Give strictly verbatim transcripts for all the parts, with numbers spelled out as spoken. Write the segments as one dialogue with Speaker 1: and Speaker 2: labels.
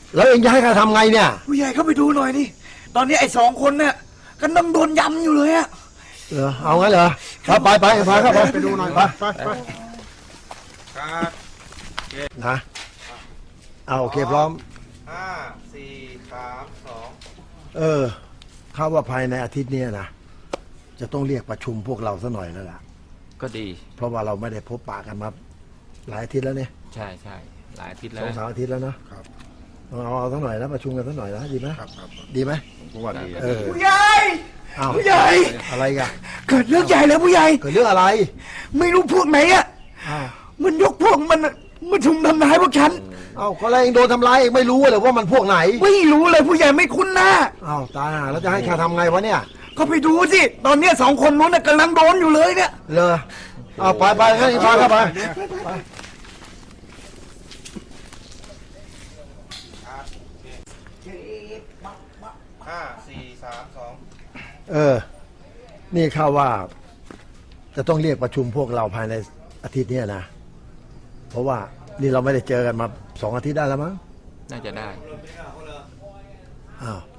Speaker 1: แล้วเองจะให้ข้าทำไงเนี่ย
Speaker 2: ผู้ใหญ่เข้าไปดูหน่อยนี่ตอนนี้ไอ้สองคนเนี่ยกำลังโดนยำอยู่เลยอะ
Speaker 1: เหรอเอางั้นเหรอครับไปไปพาเข้าไปไปดูหน่อยไปไปไป
Speaker 3: ครับ
Speaker 1: นะเอาโอเคพร้อม
Speaker 3: ห้าสี่สามสอง
Speaker 1: เออข้าว่าภายในอาทิตย์นี้นะจะต้องเรียกประชุมพวกเราซะหน่อยแล้วล่ะ
Speaker 4: ก็ดี
Speaker 1: เพราะว่าเราไม่ได้พบปะกันมาหลายอาทิตย์แล้วเนี่ย
Speaker 4: ใช่ใช่หลายอาทิตย์แล้ว
Speaker 1: สองสามอาทิตย์แล้วนะครับเอาเอาสักหน่อยนะประชุมกันสักหน่อยนะดีไหมครับดีไหม
Speaker 3: ผมว่าดี
Speaker 1: เออ
Speaker 2: ผู้ใหญ่ผู้ใหญ่
Speaker 1: อะไรกัน
Speaker 2: เกิดเรื่องใหญ่แล้วผู้ใหญ่
Speaker 1: เกิดเรื่องอะไร
Speaker 2: ไม่รู้พวกไหนอะมันยกพวกมันมาชุมทำร้ายพวกฉัน
Speaker 1: เอ้าก็อะไรเองโดนทำร้ายเองไม่รู้เลยว่ามันพวกไหน
Speaker 2: ไม่รู้เลยผู้ใหญ่ไม่คุ้นหน้า
Speaker 1: เอ้าตายแล้วจะให้ข้าทำไงวะเนี่ย
Speaker 2: ก็ไปดูสิตอนนี้สองคนนู้นกำลังโดนอยู่เลยเนี่ย
Speaker 1: เลยเอาไปไปให้พาเข้าไป
Speaker 3: ห้าสี่สามสอง
Speaker 1: เออนี่ข้าว่าจะต้องเรียกประชุมพวกเราภายในอาทิตย์นี้นะเพราะว่านี่เราไม่ได้เจอกันมาสองอาทิตย์ได้แล้วมั้ง
Speaker 4: น่าจะได้
Speaker 1: อ้าว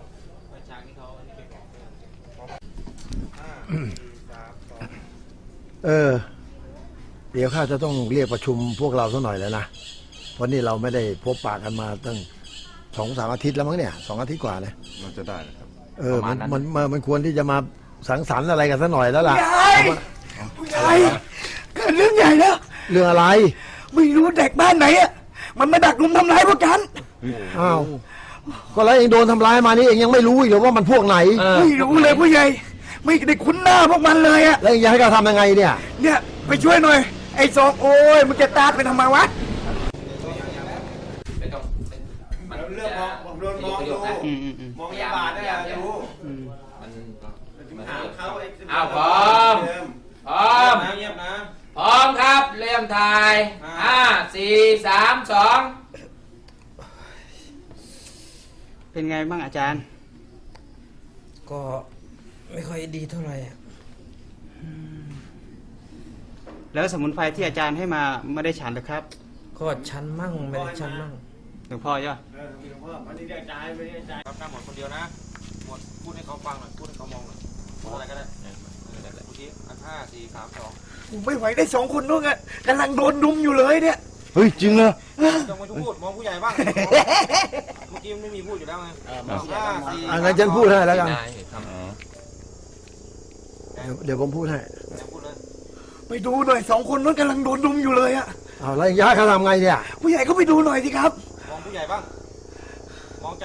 Speaker 1: เออเดี๋ยวข้าจะต้องเรียกประชุมพวกเราสักหน่อยแล้วนะเพราะนี่เราไม่ได้พบปะกันมาตั้งสองสามอาทิตย์แล้วมั้งเนี่ยสองอาทิตย์กว่าเลย
Speaker 3: มันจะได้ครับ
Speaker 1: เออมันมันมันควรที่จะมาสังสรรค์อะไรกันสักหน่อยแล้วล่ะ
Speaker 2: ผู้ใหญ่เกิดเรื่องใหญ่แล้ว
Speaker 1: เรื่องอะไร
Speaker 2: ไม่รู้เด็กบ้านไหนอ่ะมันมาดักลุมทำร้ายพวกฉัน
Speaker 1: อ้าวก็แล้วเองโดนทำร้ายมานี่เองยังไม่รู้อีกเหรอว่ามันพวกไหน
Speaker 2: ไม่รู้เลยผู้ใหญ่ไม่ได้คุ้นหน้าพวกมันเลยอ่ะ
Speaker 1: แล้วเองจะให้เราทำยังไงเนี่ย
Speaker 2: เนี่ยไปช่วยหน่อยไอ้สองโอ้ยมันจะตาดไปทำไมวะ
Speaker 3: เรื่องมองผมโดนมองดูมองยาบาดได้ยังรู้มัน
Speaker 4: อ้าวพร้อมพร้อม
Speaker 3: เงียบนะ
Speaker 4: พร้อมครับเริ่มถ่ายห้าสี่สามสอง
Speaker 5: เป็นไงบ้างอาจารย์
Speaker 2: ก็ไม่ค่อยดีเท่าไหร่อ่ะ
Speaker 5: แล้วสมุนไพรที่อาจารย์ให้มาไม่ได้ฉันหรือครับ
Speaker 2: ก็ฉันมั่งไม่ได้ฉันมั่ง
Speaker 5: หลวงพ่อย่ะ
Speaker 3: หลวงพ่อวันนี้ได้ใจไม่ได้ใจรับหน้าหมดคนเดียวนะหมดพูดให้เขาฟังหน่อยพูดให้เขามองหน่อยพูดอะไรก็ได้พูดที่อันห้าสี่สามสอง
Speaker 2: ไม่ไหวได้สองคนนู้นอ่ะกำลังโดนดุมอยู่เลยเนี่ย
Speaker 1: เฮ้ยจริงเหรอ
Speaker 3: ต้องมาพูดมองผู้ใหญ่บ้างเมื่อกี้ไม่มีพูดอยู่แล้วไงห้าสี่
Speaker 1: อ่ะงั้นฉันพูดให้แล้วกันเดี๋ยวผมพูดให้
Speaker 2: ไปดูหน่อยสองคนนู้นกำลังโดนดุมอยู่เลยอ่ะ
Speaker 1: เอาแล้วย่าเขาทำไงเนี่ย
Speaker 2: ผู้ใหญ่ก็ไปดูหน่อยสิครับ
Speaker 3: มองผู้ใหญ่บ้างมองใจ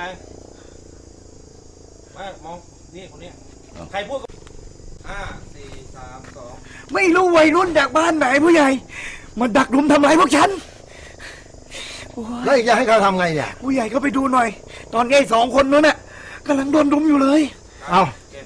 Speaker 3: ไม่มองนี่คนนี้ใครพูดห้าสี่สามสอง
Speaker 2: ไม่รู้วัยรุ่นจากบ้านไหนผู้ใหญ่มาดักรุมทำร้ายพวกฉัน
Speaker 1: แล้วจะให้เขาทำไงเนี่ย
Speaker 2: ผู้ใหญ่ก็ไปดูหน่อยตอนนี้สองคนนู้นน่ะกำลังโดนรุมอยู่เลย
Speaker 1: เอา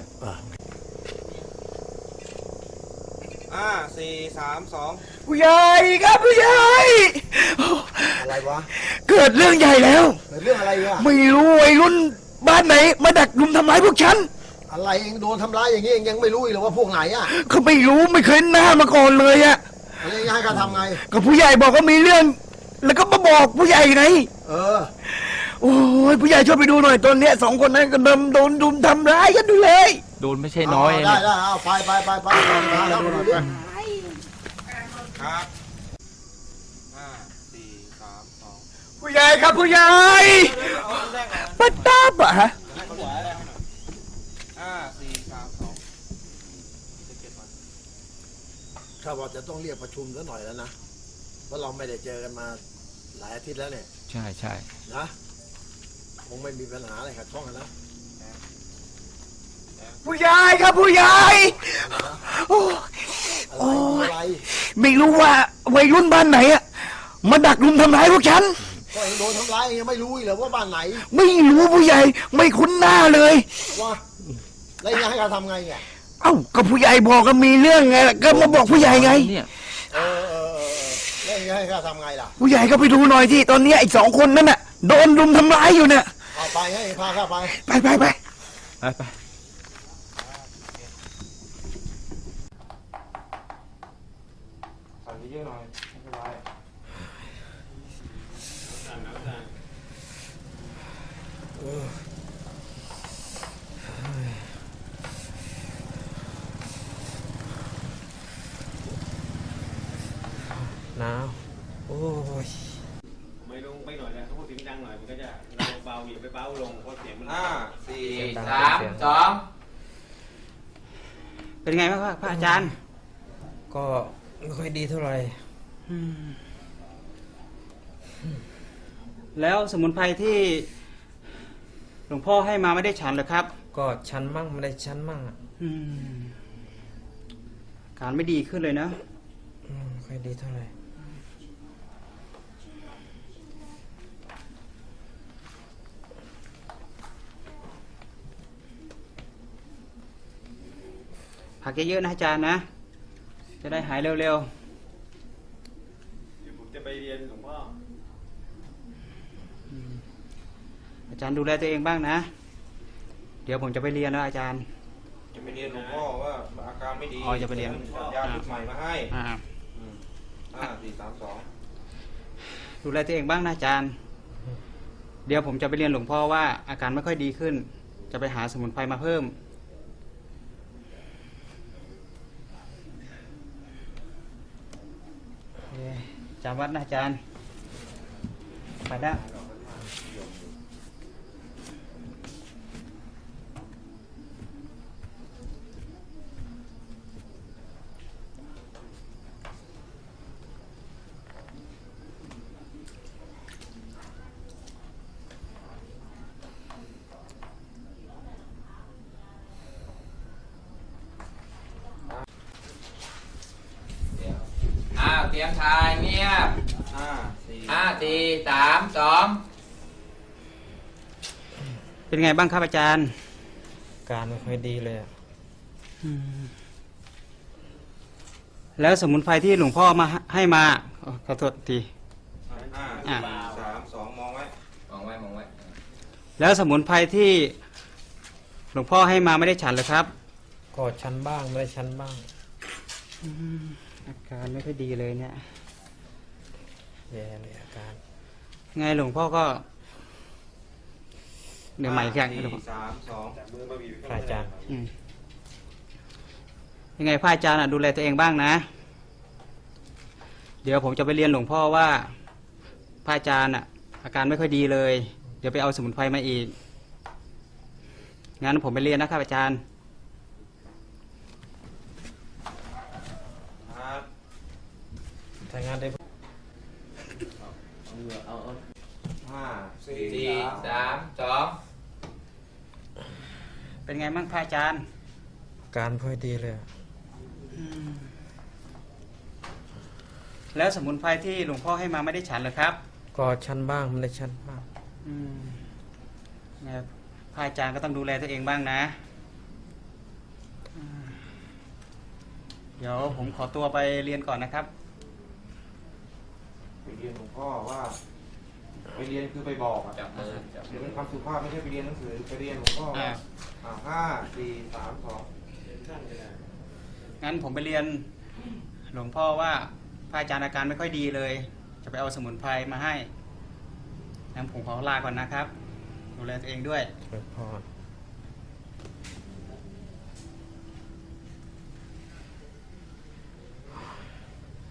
Speaker 3: ห้าสี่สามสอง
Speaker 2: ผู้ใหญ่ครับผู้ใหญ่
Speaker 1: อะไรวะ
Speaker 2: เกิดเรื่องใหญ่แล้ว
Speaker 1: เกิดเรื่องอะไรอ่ะ
Speaker 2: ไม่รู้วัยรุ่นบ้านไหนมาดักรุมทำร้ายพวกฉัน
Speaker 1: อะไรเองโดนทำร้ายอย่างนี้เองยังไม่รู้อีกหรอว่าพวกไหนอ่ะ
Speaker 2: เขาไม่รู้ไม่เคยหน้ามาก่อนเลยอ่ะ
Speaker 1: อะไรจะให้เขาทำไง
Speaker 2: ก็ผู้ใหญ่บอกว่ามีเรื่องแล้วก็มาบอกผู้ใหญ่ไง
Speaker 1: เออ
Speaker 2: โอ้ยผู้ใหญ่ช่วยไปดูหน่อยตอนนี้สองคนนั้นก็โดนโดนดุมทำร้ายกันดูเลย
Speaker 4: โดนไม่ใช่น้อย
Speaker 1: ได้ได้เอาไปไปไปไปแล้ว
Speaker 3: ครับห้าสี่สามสอง
Speaker 2: ผู้ใหญ่ครับผู้ใหญ่ปัตตาปะฮะ
Speaker 3: ห้าสี่สามสอง
Speaker 1: ข้าบอกจะต้องเรียกประชุมซะหน่อยแล้วนะเพราะเราไม่ได้เจอกันมาหลายอาทิตย์แล้วเนี่ย
Speaker 4: ใช่ใช่
Speaker 1: นะคงไม่มีปัญหาอะไรขัดข้องกันนะ
Speaker 2: ผู้ใหญ่ครับผู้ใหญ่โอ้
Speaker 1: อะไร
Speaker 2: ไม่รู้ว่าวัยรุ่นบ้านไหนอะมาดักรุมทำร้ายพวกฉัน
Speaker 1: ก็เองโดนทำร้ายยังไม่รู้เหรอว่าบ้านไหน
Speaker 2: ไม่รู้ผู้ใหญ่ไม่คุ้นหน้าเลย
Speaker 1: ว่าแล้วจะให้เขาทำไงเนี่ย
Speaker 2: เอ้าก็ผู้ใหญ่บอกก็มีเรื่องไงก็มาบอกผู้ใหญ่ไง
Speaker 1: เออเออแล้วจะให้เขาทำไงล่ะ
Speaker 2: ผู้ใหญ่ก็ไปดูหน่อยที่ตอนนี้ไอ้สองคนนั้นน่ะโดนรุมทำร้ายอยู่เนี่ย
Speaker 1: เอาไปให้พาเข้าไป
Speaker 2: ไปไปไป
Speaker 4: ไปไป
Speaker 3: ใส่เยอะหน่อยไม่เป็นไร
Speaker 2: โอ้ย
Speaker 6: ไม่ลงไปหน่อยนะถ้าพูดเสียงดังหน่อยมันก็จะเบาอย่าไปเบาลงเพราะเสียงมัน
Speaker 3: ห้าสี่
Speaker 4: สี่สามสอง
Speaker 5: เป็นไงบ้างครับพระอาจารย์
Speaker 2: ก็ไม่ค่อยดีเท่าไหร่
Speaker 5: อืมแล้วสมุนไพรที่หลวงพ่อให้มาไม่ได้ฉันเหรอครับ
Speaker 2: ก็ชันมั่งไม่ได้ชันมั่งอ่ะ
Speaker 5: อืมการไม่ดีขึ้นเลยนะ
Speaker 2: อืมไม่ค่อยดีเท่าไหร่
Speaker 5: ผักเยอะๆนะอาจารย์นะ จะได้หายเร็ว
Speaker 6: เดี๋ยวผมจะไปเรียนหลวงพ่อ
Speaker 5: ๆ อาจารย์ดูแลตัวเองบ้างนะ เดี๋ยวผมจะไปเรียนแล้วอาจารย์
Speaker 3: จะไปเรียนหลวงพ่อว่าอาการไม่ดี
Speaker 5: อ๋อจะไปเรียน
Speaker 3: ยาชุดใหม่มาให้
Speaker 5: อ่า
Speaker 3: อืมห้าสี่สามสอง
Speaker 5: ดูแลตัวเองบ้างนะอาจารย์ เดี๋ยวผมจะไปเรียนหลวงพ่อว่าอาการไม่ค่อยดีขึ้น จะไปหาสมุนไพรมาเพิ่ม โอเคจำวัดนะอาจารย์ ไปได้
Speaker 4: อ้าวเตรียมทายเงียบ
Speaker 3: ห้าสี่
Speaker 4: ห้าสี่สามสอง
Speaker 5: เป็นไงบ้างครับอาจารย์
Speaker 2: การไม่ค่อยดีเลยอะ
Speaker 5: แล้วสมุนไพรที่หลวงพ่อมาให้มาขอขอโทษที
Speaker 3: ห้า
Speaker 5: อ่ะ
Speaker 3: สี่สามสองมองไว้
Speaker 4: มองไว้มองไว้
Speaker 5: แล้วสมุนไพรที่หลวงพ่อให้มาไม่ได้ฉันเหรอครับ
Speaker 2: ก็ชันบ้างไม่ได้ชันบ้าง
Speaker 5: อาการไม่ค่อยดีเลยเนี่ย
Speaker 2: แย่เลยอาการ
Speaker 5: ไงหลวงพ่อก็ เดี๋ยวใหม่อีกอย่าง
Speaker 3: ห้า
Speaker 5: หลวงพ่อ
Speaker 3: สี่สามสอง
Speaker 2: พระอาจารย์
Speaker 5: อืมยังไงพระอาจารย์อ่ะดูแลตัวเองบ้างนะ เดี๋ยวผมจะไปเรียนหลวงพ่อว่าพระอาจารย์อ่ะ อาการไม่ค่อยดีเลย เดี๋ยวไปเอาสมุนไพรมาอีก งั้นผมไปเรียนนะครับอาจารย์
Speaker 3: ครับ
Speaker 2: ทำงานได้
Speaker 3: ห้าสี่
Speaker 4: สี่สามสอง
Speaker 5: เป็นไงบ้างพระอาจารย์
Speaker 2: การไม่ค่อยดีเลยอะ
Speaker 5: แล้วสมุนไพรที่หลวงพ่อให้มาไม่ได้ฉันเหรอครับ
Speaker 2: ก็ชันบ้างไม่ได้ชันบ้าง
Speaker 5: อืมเนี่ยพระอาจารย์ก็ต้องดูแลตัวเองบ้างนะอืมเดี๋ยวผมขอตัวไปเรียนก่อนนะครับ
Speaker 3: ไปเรียนหลวงพ่อว่า ไปเรียนคือไปบอกอ่ะ
Speaker 4: จับมือจับ
Speaker 3: เดี๋ยวเป็นคำสุภาพไม่ใช่ไปเรียนหนังสือไปเรียนหลวงพ่อว่า
Speaker 5: อ่า
Speaker 3: อ่าห้าสี่สามสอง
Speaker 5: งั้นผมไปเรียนหลวงพ่อว่าพระอาจารย์อาการไม่ค่อยดีเลย จะไปเอาสมุนไพรมาให้งั้นผมขอลาก่อนนะครับ ดูแลตัวเองด้วย
Speaker 2: หลวงพ่อ